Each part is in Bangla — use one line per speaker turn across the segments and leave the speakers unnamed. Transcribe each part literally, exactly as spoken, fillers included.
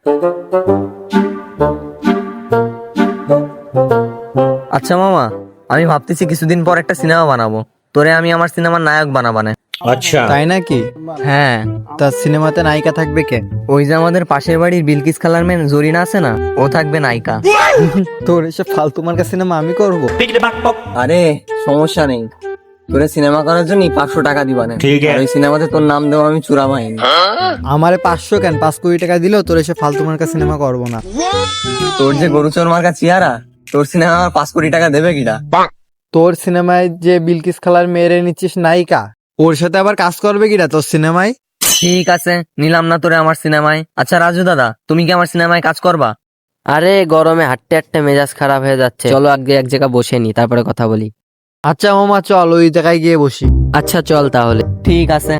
আচ্ছা মামা, আমি ভাবতেছি কিছুদিন পর একটা সিনেমা বানাবো, তোরে আমি আমার সিনেমার নায়ক বানাবানে।
আচ্ছা,
তাই নাকি?
হ্যাঁ,
তা সিনেমাতে নায়িকা থাকবে কে?
ওই যে আমাদের পাশের বাড়ির বিলকিস খালার মেয়ে জরিনা আছে না, ও থাকবে নায়িকা।
তোর এসব ফালতু মার্কা সিনেমা আমি করব?
আরে সমস্যা নেই, তোরে সিনেমা করার জন্য পাঁচশো টাকা দিবানে।
ঠিক আছে।
আর ওই সিনেমাতে তোর নাম দেবো আমি চূড়া বাহিনী।
আমারে পাঁচশো কেন, পাঁচ কোটি টাকা দিলেও তোর এসব ফালতু মার্কা সিনেমা করব না।
তোর যে গরুচোর মার্কা চেহারা, তোর সিনেমা আমার পাঁচ কোটি টাকা দেবে কিনা?
তোর সিনেমায় যে বিলকিস খালার মেয়েরে নিচ্ছিস নায়িকা, ওর সাথে আবার কাজ করবে কিনা তোর সিনেমায়?
ঠিক আছে, নিলাম না তোরে আমার সিনেমায়। আচ্ছা রাজু দাদা, তুমি কি আমার সিনেমায় কাজ করবা?
আরে গরমে হাঁটতে হাঁটতে মেজাজ খারাপ হয়ে যাচ্ছে, চলো আগে এক জায়গায় বসে নি, তারপরে কথা বলি।
আচ্ছা মামা চল ওই জায়গায় গিয়ে বসি।
আচ্ছা চল তাহলে।
ঠিক আছে।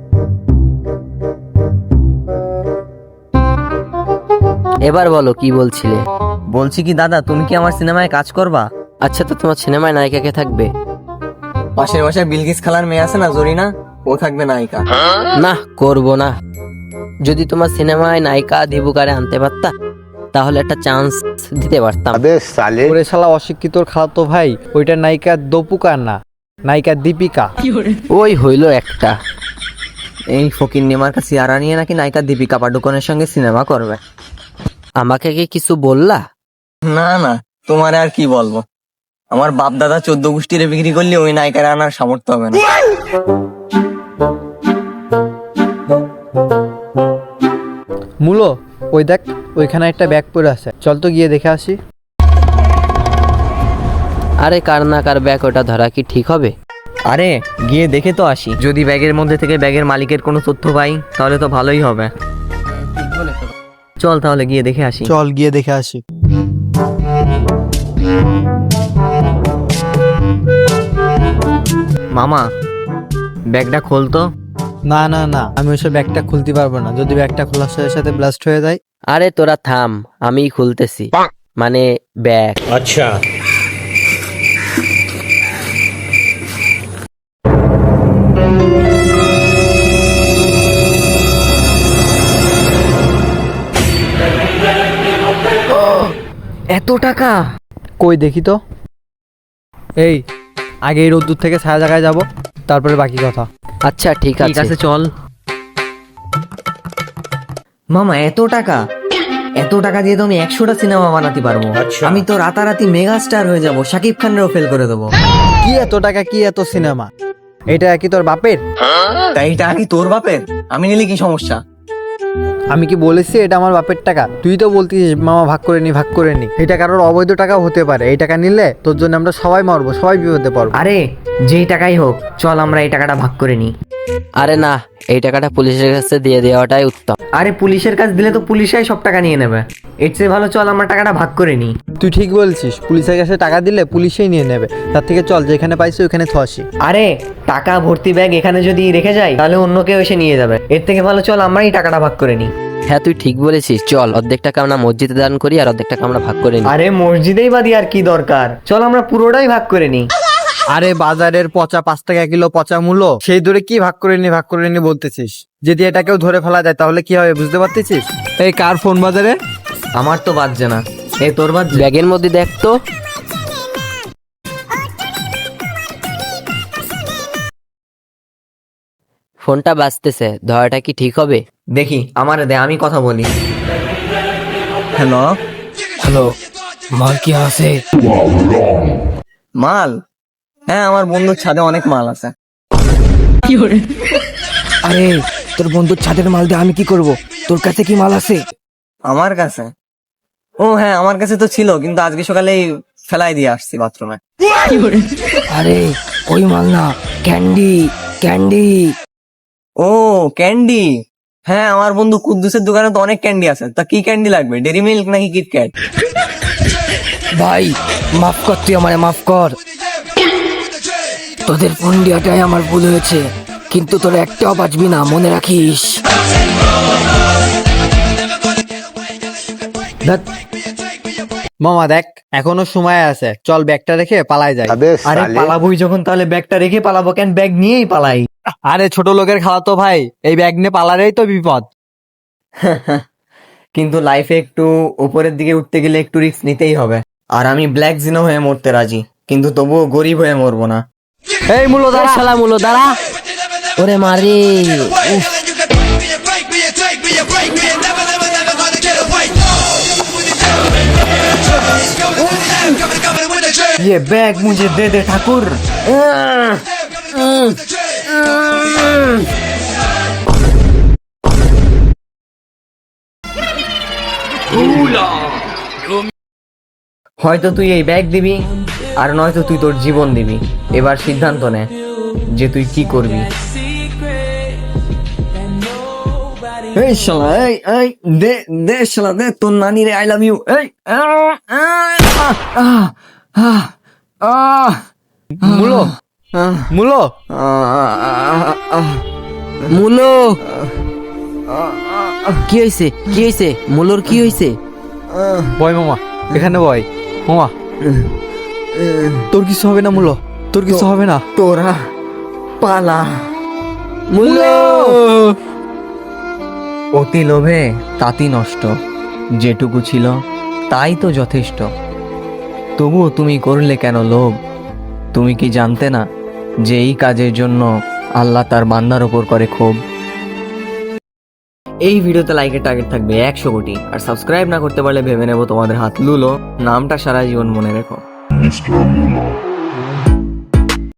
এবার বলো কি বলছিলে?
বলছি কি দাদা, তুমি কি আমার সিনেমায় কাজ করবা?
আচ্ছা, তো তোমার সিনেমায় নায়িকা কে থাকবে?
পাশের বাসায় বিলকিস খালার মেয়ে আছে না জরিনা, ও থাকবে নায়িকা।
না, করব না। যদি তোমার সিনেমায় নায়িকা দিবুকারে আনতে পারতা, তাহলে একটা চান্স দিতে পারতাম।
ওরে শালা অশিক্ষিতর খালাতো ভাই, ওইটা নায়িকা দপুকা না, নায়িকা দীপিকা।
ওই হইলো একটা।
এই ফকির নেমার কাছে চেহারা নিয়ে নাকি নায়িকা দীপিকা পাডুকোনের সঙ্গে সিনেমা করবে।
আমাকে কি কিছু বললা?
না না, তোমারে আর কি বলবো, আমার বাপ দাদা চোদ্দ গোষ্ঠীরে বিক্রি করলে ওই নায়িকার আনার সামর্থ্য হবে না।
মূলো, ওই দেখ ওইখানে একটা ব্যাগ পড়ে আছে, চল তো গিয়ে দেখে আসি।
আরে কার না কার ব্যাগ, ওটা ধরা কি ঠিক হবে?
আরে গিয়ে দেখে তো আসি, যদি ব্যাগের মধ্যে থেকে ব্যাগের মালিকের কোনো তথ্য পাই তাহলে তো ভালোই হবে। চল তাহলে গিয়ে দেখে আসি।
চল গিয়ে দেখে আসি।
মামা, ব্যাগটা খোলতো।
না না না, আমি ওইসব ব্যাগটা খুলতে পারবো না, যদি ব্যাগটা খোলার সাথে সাথে ব্লাস্ট হয়ে যায়।
আরে তোরা থাম, আমি খুলতেছি, মানে ব্যাগ।
আচ্ছা,
এত টাকা?
কই দেখি তো। এই আগে এই রোদ্দুর থেকে ছায়া জায়গায় যাব, তারপরে বাকি কথা।
আচ্ছা ঠিক
ঠিক
আছে।
আছে চল। মামা এত টাকা, এত টাকা দিয়ে তো আমি একশোটা সিনেমা বানাতে পারবো।
আচ্ছা।
আমি তো রাতারাতি মেগা স্টার হয়ে যাব, শাকিব খানেরও ফেল করে দেবো।
কি এত টাকা, কি এত সিনেমা? এটা কি তোর বাপের?
তাই এটা কি তোর বাপের? আমি নিলে কি সমস্যা?
আমি কি বলেছি এটা আমার বাপের টাকা? তুই তো বলতিস মামা ভাগ করে নি ভাগ করে নি। এটা কারোর অবৈধ টাকাও হতে পারে, এই টাকা নিলে তোর জন্য আমরা সবাই মরবো, সবাই বিপদে পড়বো।
আরে যেই টাকাই হোক, চল আমরা এই টাকাটা ভাগ করে নিই।
আরে না, এই টাকাটা পুলিশের কাছে দিয়ে দেওয়াটাই উত্তম।
আরে পুলিশের কাছে দিলে তো পুলিশাই সব টাকা নিয়ে নেবে, এর চেয়ে ভালো চল আমরা টাকাটা ভাগ করে নিই।
তুই ঠিক বলছিস, পুলিশের কাছে টাকা দিলে পুলিশেই নিয়ে নেবে, তার থেকে চল যেখানে পাইছি ওখানে থসি।
আরে টাকা ভর্তি ব্যাগ এখানে যদি রেখে যাই তাহলে অন্য কেউ এসে নিয়ে যাবে, এর থেকে ভালো চল আমরাই টাকাটা ভাগ করে নিই।
হ্যাঁ তুই ঠিক বলেছিস, চল অর্ধেক টাকা আমরা মসজিদে দান করি আর অর্ধেক টাকা আমরা ভাগ করে নিই।
আরে মসজিদেই বাদি আর কি দরকার, চল আমরা পুরোটাই ভাগ করে নিই।
আরে বাজারের পচা পাঁচ টাকা কিলো পচা মূল্য, সেই দরে কি ভাগ করে নি ভাগ করে নি বলতেছিস? যদি এটাকেও ধরে ফেলা যায় তাহলে কি হবে বুঝতে পারতেছিস? এই কার ফোন বাজারে?
আমার তো বাজছে না, এ তোর বাজছে?
ব্যাগের মধ্যে দেখ তো। ফোনটা বাজতেছে, ধরাটা কি ঠিক হবে?
দেখি আমার দে, আমি কথা বলি। হ্যালো
হ্যালো, মাল কি আছে?
মাল? হ্যাঁ আমার বন্ধুর ছাদে অনেক মাল আছে।
আরে তোর বন্ধুর ছাদের মাল দিয়ে আমি কি করব? তোর কাছে কি মাল আছে?
আমার কাছে? ও হ্যাঁ আমার কাছে তো ছিল, কিন্তু আজকে সকালেই ফেলাই দিয়ে আসছি বাথরুমে।
আরে ওই মাল না, ক্যান্ডি ক্যান্ডি।
ও ক্যান্ডি? হ্যাঁ আমার বন্ধু কুদ্দুসের দোকানে তো অনেক ক্যান্ডি আছে, তা কি ক্যান্ডি লাগবে, ডেরি মিল্ক নাকি কিটক্যাট?
ভাই মাফ কর, তুই আমায় মাফ কর। তোদের ফোন দেওয়াটাই আমার ভুল হয়েছে, কিন্তু তোরা একটাও বাঁচবি না, মনে রাখিস।
মামা দেখ এখনো সময় আছে, চল ব্যাগটা রেখে পালাই যায়।
আরে পালাবোই যখন তাহলে ব্যাগটা রেখে পালাবো কেন, ব্যাগ নিয়েই পালাই।
আরে ছোট লোকের খাওয়া তো ভাই, এই ব্যাগ নিয়ে পালারেই তো বিপদ।
কিন্তু লাইফে একটু উপরের দিকে উঠতে গেলে একটু রিস্ক নিতেই হবে। আর আমি ব্ল্যাক জিনো হয়ে মরতে রাজি, কিন্তু তবুও গরিব হয়ে মরবো না।
এই মূল্য
দাঁড়া শালা মুলো দাঁড়া, ওরে মারে উফ।
ये बैग मुझे दे दे ठाकुर। হয়তো তুই এই ব্যাগ দিবি, আর নয়তো তুই তোর জীবন দিবি। এবার সিদ্ধান্ত নে যে তুই কি করবি। এই শালা, এই এই দে দে শালা দে তোর নানি রে, আই লাভ ইউ। এই আহ, আহ, আহ, আহ, আহ,
মূল্য
আহ,
মূল্য
আহ,
মুলো কি হয়েছে, কি হয়েছে মুলোর, কি হয়েছে?
বয় মামা, এখানে বয় মামা। তোর কিছু হবে না মূল্য, তোর কিছু হবে না।
তোরা পালা।
মুলো
অতি লোভে তাতি নষ্ট, যেটুকু ছিল তাই তো যথেষ্ট। তবুও তুমি করলে কেন লোভ? তুমি কি জানতে না যে এই কাজের জন্য আল্লাহ তার বান্দার ওপর করে ক্ষোভ? এই ভিডিওতে লাইকের টার্গেট থাকবে একশো কোটি, আর সাবস্ক্রাইব না করতে পারলে ভেবে নেবো তোমাদের হাত লুলো। নামটা সারা জীবন মনে রেখো।
Mister Muller.